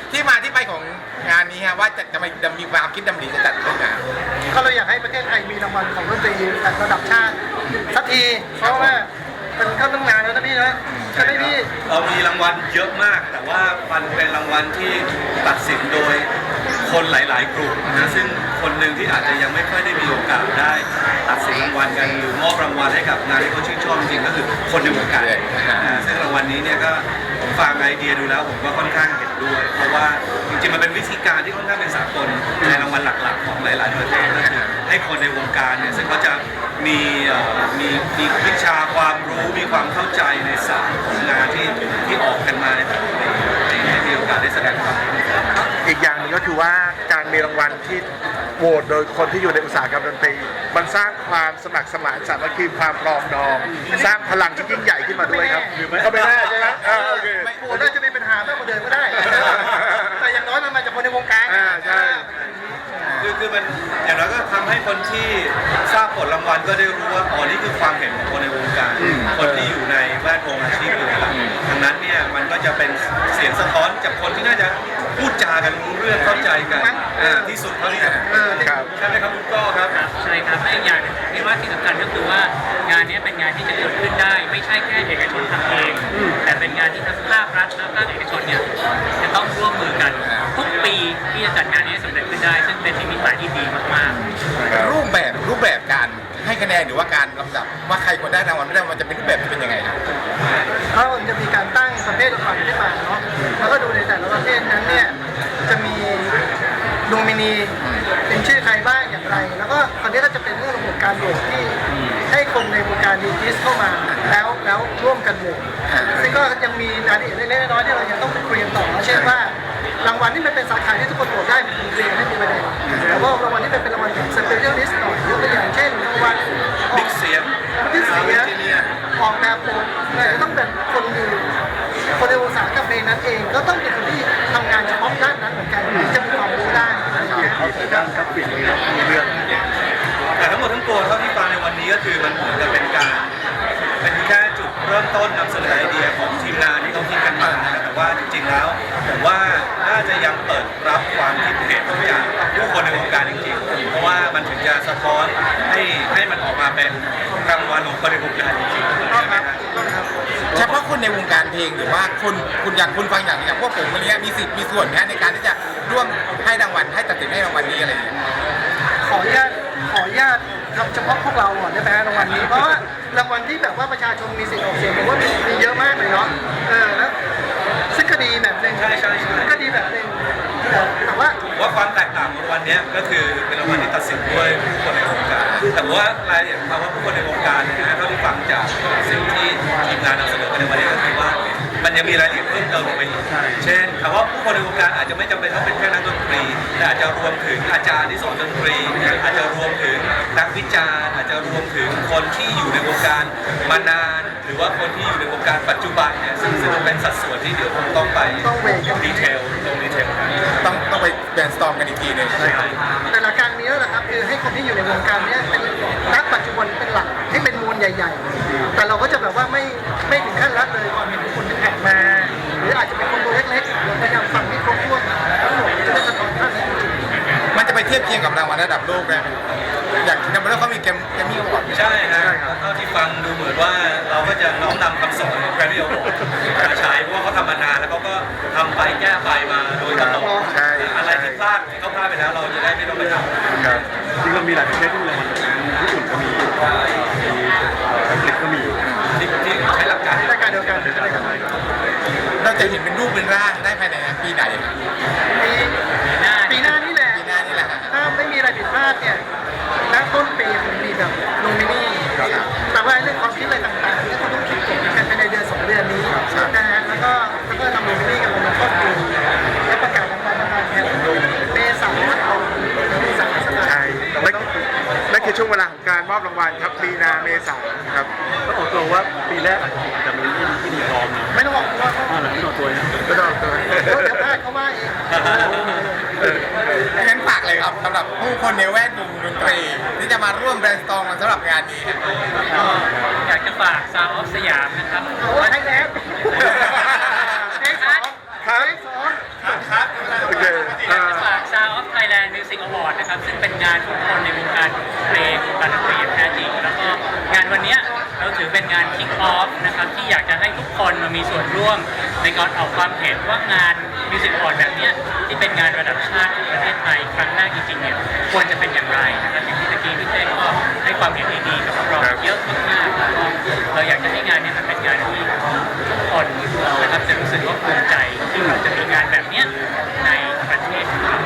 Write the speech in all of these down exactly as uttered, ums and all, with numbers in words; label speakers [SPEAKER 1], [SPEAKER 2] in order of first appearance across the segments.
[SPEAKER 1] ที่มาที่ไปของงานนี้ฮะว่าจะจะจะมีความคิดดำริจะจัดเรื่องงาน
[SPEAKER 2] ก็เราอยากให้ประเทศไทยมีรางวัลของดนตรีระดับชาติสักทีเพราะว่ามันก็ต้องนานแล้วนะพี่นะใช่ไหมพี่
[SPEAKER 3] เรามีรางวัลเยอะมากแต่ว่ามันเป็นรางวัลที่ตัดสินโดยคนหลาย ๆ กลุ่มนะซึ่งคนหนึ่งที่อาจจะยังไม่ค่อยได้มีโอกาสได้ตัดสินรางวัลกันหรือมอบรางวัลให้กับงานที่เขาชื่นชอบจริงๆก็คือคนในวงการนะซึ่งรางวัลนี้เนี่ยก็ผมฟังไอเดียดูแล้วผมก็ค่อนข้างเห็นด้วยเพราะว่าจริงๆมันเป็นวิธีการที่ค่อนข้างเป็นสากลในรางวัลหลัก ๆ ของหลาย ๆ ประเทศก็คือให้คนในวงการเนี่ยซึ่งเขาจะมีมีมีวิชาความรู้มีความเข้าใจในศาสตร์ของงานที่ที่ออกกันมาในแต่ละปีให้มีโอกาสได้แสดงความรู้
[SPEAKER 4] อีกอย่างหนึงก็คือว่าการมีรางวัลที่โหวตโดยคนที่อยู่ในอุตสาหกรรมดนตรีมันสร้างความสมัครสมานสามัคคีความปรองดอง สร้างพลังที่ยิ่งใหญ่ขึ้นมาด้วยครับก็ไม่แน่ใช่ไหมอ่าโอเค
[SPEAKER 2] โอ้น่าจะมีปัญหามากกว่าเดิมก็ได้ แต่อย่างน้อยมันมาจากคนในวงการ
[SPEAKER 4] อ่าใช่
[SPEAKER 3] คือคือมันอย่างน้อยก็ทำให้คนที่ทราบผลรางวัลก็ได้รู้ว่าอ๋อนี่คือความเห็นของคนในวงการคนที่อยู่ในแวดวงอาชีพอยู่แล้วดังนั้นเนี่ยมันก็จะเป็นเสียงสะท้อนจากคนที่น่าจะพูดจากันรู้เรื่องเข้าใจกันอ่าที่สุดเท่าที่จะ
[SPEAKER 4] ครับ
[SPEAKER 3] ใช่ไหมครับคุณก้อครับ
[SPEAKER 5] ใช่ครับและอีกอย่างที่ว่าที่สำคัญก็คือว่างานนี้เป็นงานที่จะเกิดขึ้นได้ ไม่ใช่แค่เอกชนทำเอง แต่เป็นงานที่ทั้งภาครัฐและภาคเอกชนเนี่ยจะต้องร่วมมือกันทุกปีที่จะจัดงานนี้ให้สำเร็จขึ้นได้ ซึ่งเป็นนิมิตหมายที่ดีมากๆ
[SPEAKER 1] รูปแบบรูปแบบการให้คะแนนหรือว่าการลำดับว่าใครคนได้รางวัลไม่ได้มันจะเป็นรูปแบบที่เป็นยังไงครับ
[SPEAKER 2] เขาจะมีการตั้งประเภทรางวัลขึ้นมาเนาะแล้วก็ดูในแต่ละประเภทนั้นเนี่ยจะมีโนมินีเป็นชื่อใครบ้างอย่างไร แล้วก็คราวนี้ก็จะเป็นเรื่องระบบการโหวตที่ให้คนในวงการดีจิสเข้ามาแล้วแล้วร่วมกันโหวตซึ่งก็ยังมีรายละเอียดเล็กๆน้อยๆที่เรายังต้องคุยกันต่อเช่นว่ารางวัลที่มันเป็นสาขาที่ทุกคนโหวตได้มันเรียนไม่มีประเด็นแต่ว่ารางวัลที่เป็นรางวัลแบบสเปเชียลิสต์หน่อยยกตัวอย่างเช่นรางวัล
[SPEAKER 3] บิ๊กเสียง
[SPEAKER 2] บิ๊กเสียงออกแบบโปรเนี่ยจะต้องเป็นคนอยู่คนในอุตสาหกรรมเพลงนั้นเองก็ต้องเป็นคนที่ทำงานเฉพาะด้านนั้นเหมือนกันถึงจะมีความรู้ได้นะครับ
[SPEAKER 3] แต่ทั้งหมดทั้งปวงเท่าที่ฟังในวันนี้ก็คือมันเหมือนกับเป็นการเป็นแค่จุดเริ่มต้นนำเสนอไอเดียของทีมงานที่เขาคิดกันมานะแต่ว่าจริงๆแล้วผมว่าน่าจะยังเปิดรับความคิดเห็นจากผู้คนในวงการจริงๆเพราะว่ามันถึงจะสะท้อนให้ให้มันออกมาเป็นรางวัลของคนในวงการจริงๆนะครับ
[SPEAKER 1] เฉพาะคนในวงการเพลงหรือว่าคนคุณอย่างคุณฟังอย่างอย่างพวกผมอะไรเงี้ยมีสิทธิ์มีส่วนนะในการที่จะร่วมให้รางวัลให้ตัดสินให้รางวัลนี้อะไรอย่างเงี้ย
[SPEAKER 2] ขออนุญาตขออนุญาตทำเฉพาะพวกเราก่อนได้ไหมรางวัลนี้เพราะว่ารางวัลที่แบบว่าประชาชนมีสิทธิ์ออกเสียงผมว่ามีมีเยอะมากเลยเนาะเออแล้วซึ่งก็ดีแบบหนึง
[SPEAKER 3] ใช่ใช่ใช่
[SPEAKER 2] ก็ดีแบบหนึงแต่แต่ว่า
[SPEAKER 3] ว่าความแตกต่างของวันนี้ก็คือเป็นรางวัลที่ตัดสินด้วยผู้คนในวงการแต่ว่ารายละเอียดคำว่าผู้คนในวงการเนี่ยนะเท่าที่ฟังจากสิ่งที่ทีมงานนำเสนอกันในวันนี้ก็คือว่ามันยังมีรายละเอียดเพิ่มเติมลงไปอีกเช่นคำว่าผู้คนในวงการอาจจะไม่จำเป็นต้องเป็นแค่นักดนตรีแต่อาจจะรวมถึงอาจารย์ที่สอนดนตรีอาจจะรวมถึงนักวิจารณ์อาจจะรวมถึงคนที่อยู่ในวงการมานานหรือว่าคนที่อยู่ในวงการปัจจุบันเนี่ยซึ่งซึ่งเป็นสัดส่วนที่เดี๋ยวคงต้องไป
[SPEAKER 2] ต้องเวทกัน
[SPEAKER 3] ดีเทลตรงดีเทลกัน
[SPEAKER 1] ต้องต้องไปแบนสตอมกันอีกทีหนึง
[SPEAKER 3] ใช่ครับ
[SPEAKER 2] แต่ละการนี้แหละครับคือให้คนที่อยู่ในวงการเนี้ยเป็นนักปัจจุบันเป็นหลักให้เป็นมวลใหญ่ๆแต่เราก็จะแบบว่าไม่ไม่ถึงขั้นละเลยความเห็นของคนที่แผ่มา หรืออาจจะเป็นคนตัวเล็กๆเราพยายามฟังให้ครบถ้วนทั้งหมดจะได้สะท้อนท่านจริง
[SPEAKER 1] มันจะไปเทียบเคียงกับรางวัลระดับโลกได้ไหมอย่างดับเบิลเขามีแกมแกมมี่ก่อน
[SPEAKER 3] ใช่ฮะเท่าที่ฟังดูเหมือนว่าเราก็จะน้อมนำคำสอนของแกรมมี่อวอร์ดมาใช้เพราะว่าเขาทำมานานแล้วเขาก็ทำไปแก้ไปมาโดยตลอด
[SPEAKER 4] ใช่
[SPEAKER 3] อะไรที่พลาดที่เขาพลาดไปแล้วเราจะได้ไม่ต้องไปทำ
[SPEAKER 4] ครับ
[SPEAKER 6] จริงๆเรามีหลายประเทศที่มีรางวัลญี่ปุ่นก็มีมีอังกฤษก็มี
[SPEAKER 3] ที่ที่ใช้หลักการ
[SPEAKER 2] ๆรายการเดียวกันรายการ
[SPEAKER 1] เราจะเห็นเป็นรูปเป็นร่างได้ภายในปีไหนครับ
[SPEAKER 2] ปีปีหน้านี่แหละ
[SPEAKER 1] ปีหน้านี่แหละฮะ
[SPEAKER 2] ถ้าไม่มีอะไรผิดพลาดเนี่ยณต้นปีผมมีแบบโนมินีแต่ว่าเรื่องความคิดอะไรต่างๆเนี่ยคุณต้องคิดเก็บกันภายในเดือนสองเดือนนี้นะฮะแล้วก็แล้วก็ทำโนมินีกันในต้นปีและประกาศรางวัลประมาณแค่เมษายนเอาเมษายน
[SPEAKER 4] ใช่นั่นนั่นคือช่วงเวลาของการมอบรางวัลครับมีนาเมษาครับ
[SPEAKER 6] ก็ออกตัวว่าปีแรกอาจจะอาจจะมีที่ที่ดีพร้อมนะ
[SPEAKER 2] ไม่ต้องบอกว่า
[SPEAKER 6] อ่าหลังที่ออกตัวนะ
[SPEAKER 4] ก็ต้องตัว
[SPEAKER 2] เดี๋ยวเดี๋ยวพลาดเขาว่าเอง
[SPEAKER 1] งั้นฝากเลยครับสำหรับผู้คนในแวดวงดนตรีที่จะมาร่วมแบรนด์สตอมกันสำหรับงานนี้ฮะ
[SPEAKER 5] ก็อยากจะฝากซาวออฟสยามนะครับ
[SPEAKER 2] โอ้ยไทยแลนด์เอ็กซ์สอง
[SPEAKER 4] ครับ
[SPEAKER 2] เอ็กซ์สอง
[SPEAKER 1] ครับ
[SPEAKER 5] คนมามีส่วนร่วมในการออกความเห็นว่างานมิวสิกอวอร์ดแบบเนี้ยที่เป็นงานระดับชาติของประเทศไทยครั้งแรกจริงๆเนี่ยควรจะเป็นอย่างไรนะครับอย่างที่ตะกี้พี่เต้ก็ให้ความเห็นดีๆกับพวกเราเยอะมากๆแล้วก็เราอยากจะให้งานเนี่ยมันเป็นงานที่ทุกคนนะครับจะรู้สึกว่าภูมิใจที่เราจะมีงานแบบเนี้ยในประเทศของเรา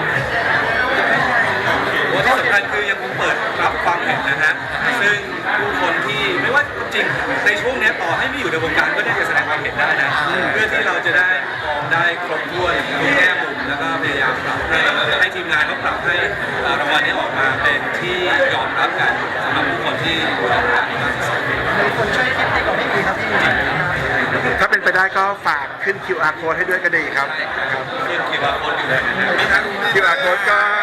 [SPEAKER 3] ว่าที่สำคัญคือยังคงเปิดรับความเห็นนะฮะซึ่งผู้คนที่ไม่ว่าจริงในช่วงนี้ต่อให้ไม่อยู่ในวงการก็ได้จะแสดงความเห็นได้นะเพื่อที่เราจะได้มองได้ครบถ้วนทุกแง่มุมแล้วก็พยายามปรับให้ให้ทีมงานเขาปรับให้รางวัลนี้ออกมาเป็นที่ยอมรับกันสำหรับผู้คนที่ดูแลงานนี้มากที่สุด
[SPEAKER 2] มีคนช่วยคิดดีกว่าไม่มีครับพี่
[SPEAKER 4] ถ้าเป็นไปได้ก็ฝากขึ้น คิว อาร์ code ให้ด้วยก็ดีครับครับ
[SPEAKER 3] ขึ้นคิวอาร์โค้ดอยู่เลยนะฮะ
[SPEAKER 4] คิว อาร์ code ก็